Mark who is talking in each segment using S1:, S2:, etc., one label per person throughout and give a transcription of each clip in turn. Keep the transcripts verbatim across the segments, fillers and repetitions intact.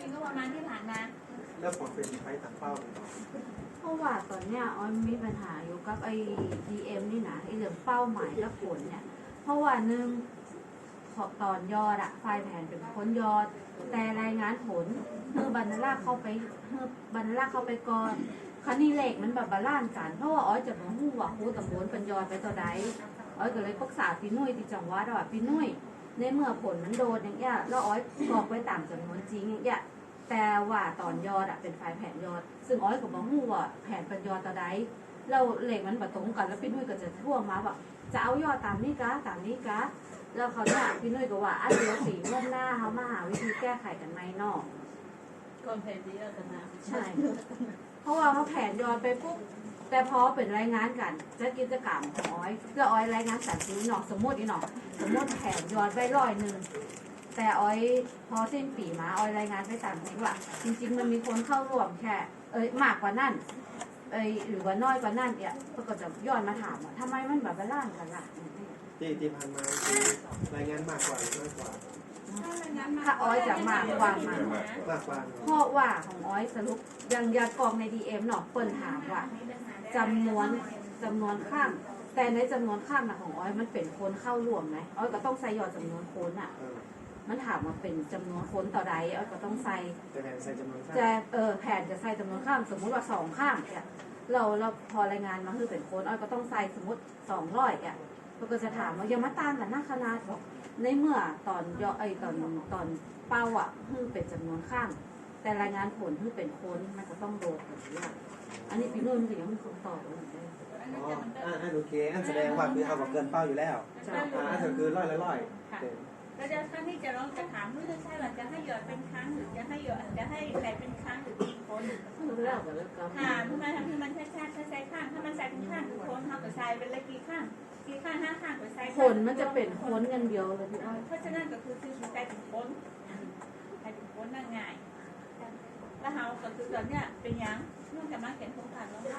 S1: ปีก็ประมาณที่ผ่านมา
S2: แล้วผลเป็นใช้ตามเป้าหรือเปล่า
S3: เพราะว่าตอนเนี้ยออยมีปัญหาอยู่กับไอ้ ดี เอ็ม นี่นะไอ้เรื่องเป้าหมายและผลเนี่ยเพราะว่าหนึ่งตอนยอดอะไฟล์แผนเป็นคนยอดแต่รายงานผลเฮือบรรลักเข้าไปเฮือบรรลักเข้าไปก่อนคันนี้เลขมันแบบบาลานซ์กันเพราะว่าออยจะมาหู้ว่าครูตำบลเป็นยอดไปต่อใดออยก็เลยปรึกษาพี่นุ้ยที่จังหวัดว่าพี่นุ้ยในเมื่อผลมันโดนอย่างเงี้ยแล้วออยกรอกไว้ตามจำนวนจริงอย่างเงี้ยแต่ว่าตอนยอดอะเป็นไฟล์แผนยอดซึ่งออยก็บอกหู้ว่าแผนเป็นยอดต่อใดเราเลขมันประตรงกันแล้วพี่นุ้ยก็จะท่วงมาว่าจะเอายอดตามนี้กะตามนี้กะแล้วเขาเนี่ยพี่นุ้ยก็ว่าอันเดียวสีร่วมหน้าเขามาหาวิธีแก้ไขกันไหมนอก
S1: ก่อนแผนที่เราจะมา
S3: ใช่เพราะว่าเขาแผนยอดไปปุ๊บแต่พอเป็นรายงานกันจะกิจกรรมของออยจะออยรายงานสัตว์ซื้อหนอสมมติอีหนอสมมติแผนยอดไปร้อยหนึ่งแต่ออยพอสิ้นปีมาออยรายงานไปตามนี้ว่าจริงๆมันมีคนเข้าร่วมแค่เอ้ยมากกว่านั่นเอ้ยหรือว่าน้อยกว่านั่นเนี่ยก็จะย้อนมาถามว่าทำไมมันแบบบาลานซ์กันล่ะ
S2: ที่ที่ผ่านมาคือรายงานมากกว่าหรือน้อยกว่า
S3: ถ้าออยจะมากกว่ามาก
S2: มากกว่า
S3: เพราะว่าของออยสรุปยังยากองใน ดี เอ็ม เนาะเปิดถามว่าจำนวนจำนวนข้ามแต่ในจำนวนข้ามนะของออยมันเป็นคนเข้าร่วมไหมออยก็ต้องใส่ยอดจำนวนคนอ่ะมันถามว่าเป็นจำนวนคนต่อใดออยก็ต้องใส่
S2: จะแผนใส่จำนวนข้าม
S3: จะเออแผนจะใส่จำนวนข้ามสมมุติว่าสองข้ามเนี่ยเราเราพอรายงานมาคือเป็นคนออยก็ต้องใส่สมมติสองร้อยอ่ะเราก็จะถามว่าอย่ามาตามกันหน้าคณะบอกในเมื่อตอนย่อไอตอนตอนเป้าอ่ะคือเป็นจำนวนข้ามแต่รายงานผลคือเป็นคนมันก็ต้องโดนแบบนี้อันนี้พี่นุ่นก็ยังไม่คงตอบเลย
S2: อ๋ออันโอเคอันแสดงว่าคือเอากับเกินเป้าอยู่แล้วอันก็คือร้อยละร้อย
S1: แล้วจะครั้งที่จะลองจะถามไม่ใช่ว่าจะให้หยอดเป็นครั้งหรือจะให้หยอดจะให้แผลเป็นครั้งหรือเป็นคนถามทำไมทำให้มันแค่แค่ใช้ข้างถ้ามันใส่เป็นข้างคือคนเขาก็ใส่เป็นเลขกี่ข้างกี่ข้างห้าข้างก็ใส่
S3: คนมันจะเป็นคนกันเดียวเลยพี่อ้อย
S1: เพราะฉะนั้นก็คือคือใส่เป็นคนใส่เป็นคนนั่งง่ายแล้วเขาก็คือตอนเนี้ยเป็นยังเนื่องจากมาเขียนโครงการแล้วว่า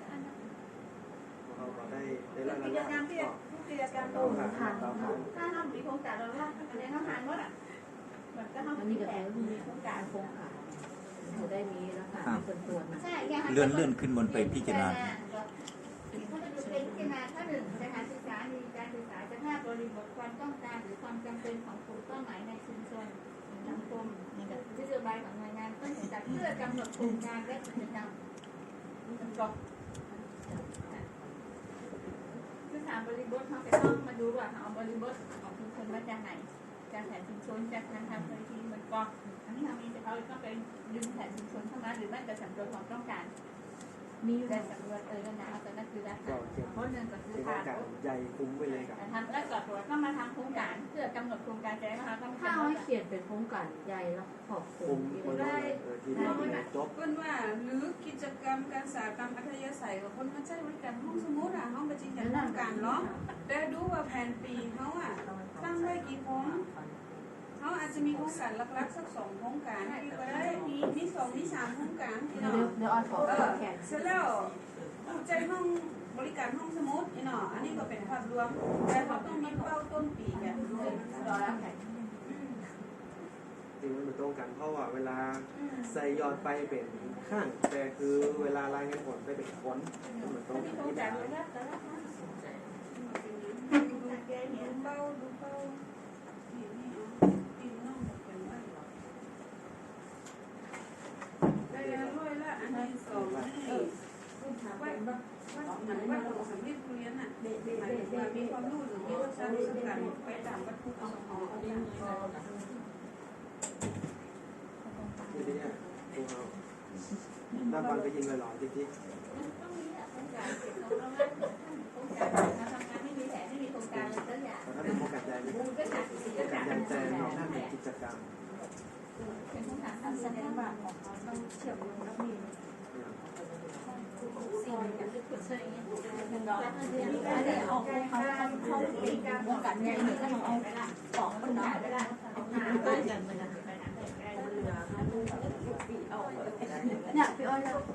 S2: เราได้ได้
S1: รับกิจกรรมที่กิจกรรมตรงผ่านถ้าทำมีโครงการเราล่าอะไรเขาหารหมดอ่ะเหมือนก็ทำมีแต่มีโครงการโครงการ
S3: เขาได้มีแล้วค่ะเป็นตัวนะ
S4: เลื่อนเลื่อนขึ้นบนไปพิจารณา
S1: เขาจะดูเป็นพิจารณาข้อหนึ่งสถานศึกษามีการศึกษาจะภาพบริบทความต้องการหรือความจำเป็นของกลุ่มเป้าหมายในชุมชนสังคมนโยบายของหน่วยงานต้นสังกัดเพื่อกำหนดโครงการและกิจกรรมก็คือถามบริบทเขาจะต้องมาดูว่าเอาบริบทของชุมชนมาจากไหนจากแผนชุมชนจากการทำพื้นที่มันก็อันนี้ทำมีแต่เขาต้องไปดึงแผนชุมชนเข้ามาหรือไม่แต่สำรวจความต้องการมีอยู่ในสำรวจเออนะเอาแต่นั่นคือได้เพราะหนึ่งก็คือทาง
S2: ใหญ่คุ้มไปเลยกับ
S1: ทำแล้วก็ตัวต้องมาทำโครงการเพื่อกำหนดโครงการจะได้มาต้อง
S3: ถ้าให้เขียนเป็นโครงการใหญ่แล้วขอบคุณ
S2: ได้
S5: ได้จบเป็นว่าหรือกิจกรรมการสาหกรรมอัธยาศัยของคนมาใช้บริการห้องสมุดอ่ะห้องประจิตโครงการเนาะแต่ดูว่าแผนปีเขาอ่ะตั้งไว้กี่โครงเขาอาจจะมีโครงการหลักๆสักสองโครงการที่ก็ได้มีมีสองมีสามโครงการที่เนาะ
S3: เดี๋ยวออยขอแขก
S5: เสร็จแล้วใจห้องบริการห้องสมุดเนาะอันนี้ก็เป็นภาพรวมแต่เขาต้องมีเป้าต้นปีแบบด้วยรอแล้วแขก
S2: จริงมันตรงกันเพราะว่าเวลาใส่ยอดไปเป็นข้างแต่คือเวลารายงานผลไปเป็นคนมันตรงกันที่แบบ
S5: ดูเป้าดูเป้าได้แล้วด้วยละอันที่สองเออว่าว่าเหมือนว่าของสำเร็จเรียนอ่ะหมายถึงว่ามีความรู้หรือมีวิชาวิชาการไปตามวัตถุประสงค์ของเขาเนี่ย
S2: ทีนี้อ่ะดูเอาด้านบนก็ยิงเลยหรอจิ๊กจิ๊ก
S1: ต้องมีโครงการเก็บของเราโครงการเราทำงานไม่มีแผนไม่มีโครงการเลยสักอย่าง
S2: ถ้าเป็นโครงการใหญ่โครงการใหญ่แต่เราหน้าเป็นกิจกรรม
S1: เป็นโครงการทำแสดงว่าของเขาต้องเชื่อมโยงแล้วมีสิ่งอย่างที่คุณเชื่ออย่างนี้เป็นร้อยอันนี้เอาเขาเขาเขาตีการวงการใหญ่หนึ่งก็เอาสองคนเนาะเอาหาไปกันไปกันไปกัน
S3: เนี่ยพี่อ้อยเรา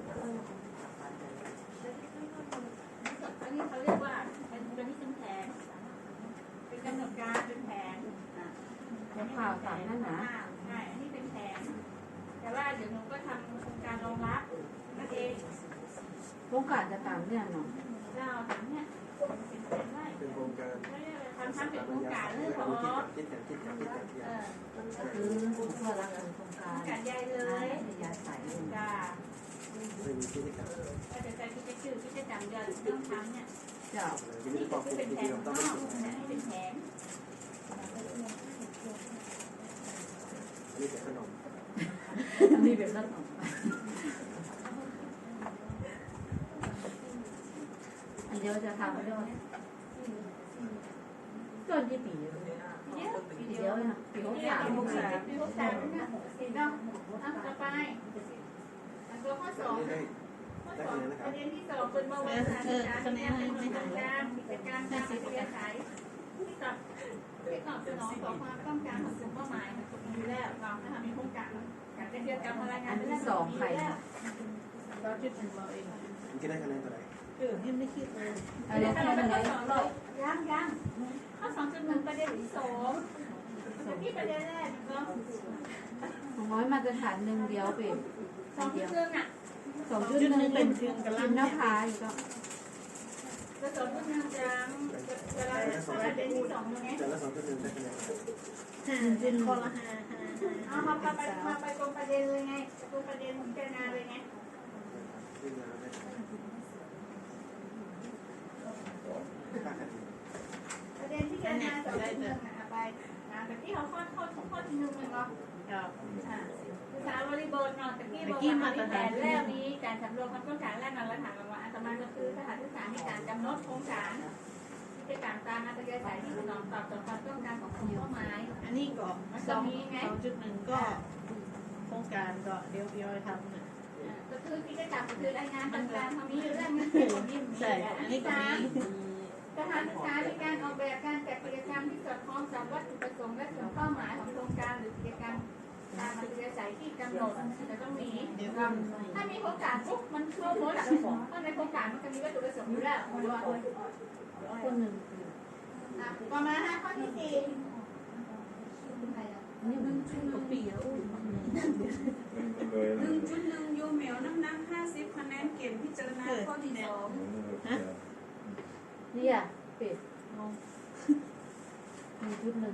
S1: อันนี้เขาเรียกว่าเป็นตัวนี้เป็นแผนเป็นกำหนดการเป็นแผน
S3: เป็นข่าวสารนั่นนะ
S1: ใช่อันนี้เป็นแผนแต่
S3: โครงการจะตามเนี่ยเนาะ
S1: เราถามเนี่ยเป็นเป็นไร
S2: เป็นโครงการ
S1: ทำทำเป็นโครงการเรื่องข
S2: คิด
S1: อ
S2: กันคิดกันคิดกันคิดกันคิด
S1: เอ
S2: กัน
S1: อ
S3: ก็คือเพื่อรักษาโครงการ
S1: การใหญ่เล
S3: เลย
S1: ย
S3: ยาใส่
S1: จ้า
S2: ไม่มีกิจกรรม
S1: ก็จะใช้กิจชื่อกิจกรรมยอดต้องทำเนี่ย
S3: เจ้า
S2: กิจ
S1: นี่
S2: กร
S1: ก็
S2: รม
S1: คือ
S2: กิ
S1: เป็น
S2: จ
S1: แผ
S2: กร
S1: น
S2: รมต้อง
S1: น
S2: ไม่
S1: อก
S2: ถูก
S1: นี่เป็นแผน
S2: อันนี้เป็นขนม
S3: อันนี้เป็นขนมอันเดียวจะทำด้วยจนยี่ปีเลย
S1: เยอะ
S3: ปีเดียวนะปีหก
S1: ปี
S3: สาม
S1: หกสามปีหกสามเนี่ยเห็นเนาะเอาต่อไปตัวข้อสอง
S2: ได้
S1: ข้อ
S2: ได้
S1: สอ
S2: คะ
S1: ง
S2: แนนนะค
S1: ป
S2: รับ
S1: ระเด็นที่สองเป็นเมื่อวันการศึกษาที่เป็นกิจการกิจการการอัธยาศัยที่กับที่ตอบสนองต่อความต้องการของกลุ่มเป้าหมายของกลุ่มอยู่แล้วเรานะคะมีโครงการการได้เรียนการพลังงานเป็นเรื่องสองใครเราจุดหนึ่งเราเอง
S2: มันคิดได้คะแนนเท่าไหร่
S1: เออยังไม่คิดเลย
S3: อันนี้
S1: ข้
S3: แค่
S1: อ
S3: มันเลย
S1: สองเลยยังยังข้อสองจุดหนึ่งประเด็นที่สองที่ประเด็นแรกก็
S3: ของน้อยมาตรฐานหนึ่งเดียวเป็น
S1: สองจุดหนึ่งอ่ะ
S3: สองจุดหนึ่งเป็นกินน้ำพายก็
S1: กระสอบทุกนางจางเวลาประเด็นที่สองยังไง
S2: แต่ละสองจุดหนึ่งได้คะแนน
S3: ห้าเป็นคนละห้า
S1: เอามาไปมาไปตรงประเด็นเลยไงตรงประเด็นของเจนาเลยไง
S2: ขึ้นมาได้ค่าคะแนน
S1: ประเด็นที่เจนาสองจุดหนึ่งอ่ะไปอ่าแต่ที่เขาข้อข้อข้อที่หนึ่งมันก็อ่าภาษาบริบทเนาะแต่ที่บอกว่ามีแผนแล้วนี้การสำรวจความต้องการแรกนั้นและถามว่าอัตมาก็คือสถานศึกษาในการกำหนดโครงการกิจการตามอัตยาศัยที่สนองตอบต่อความต้องการของกลุ่มเป้าหมาย
S6: อันนี้ก็
S1: มัน
S6: ส
S1: จะ
S6: อง
S1: มีไง
S6: สองจุดหนึ่งก็โครงการก็เดี๋ยวพี่อ้อยทำเนี่ย
S1: ก็คือกิจกรรมก็คือรายงานต่างๆเขามีอยู่เรื่องเงินเดือนมีมี
S6: ใช่
S1: อั
S6: อั
S1: น
S6: น
S1: นี้
S6: นี้ก็
S1: สาม
S6: มี
S1: สถานศึกษาในการออกแบบการจัดกิจกรรมที่สอดคล้องกับวัตถุประสงค์และส่วนเป้าหมายของโครงการหรือกิจกรรมตามอัธยาศัยที่กำหนดจะต้องมี
S6: เดี๋ยวก็
S1: ถ้ามีโครงการปุ๊บมันทั่วหมดอ่ะเพราะในโครงการมันจะมีวัตถุประสงค์อยู่แล้วด้วย
S3: คนหนึ่ง
S1: อ่ะต่อมาฮะข้อที่สี่
S3: นี่มันชุ่มกับปีแล้ว
S5: หนึ่งจุดหนึ่งยูเหมียวน้ำหนักห้าสิบคะแนนเกณฑ์พิจารณาข้อที่สอง
S3: นี่อ่ะเป็ดหนึ่งจุดหนึ่ง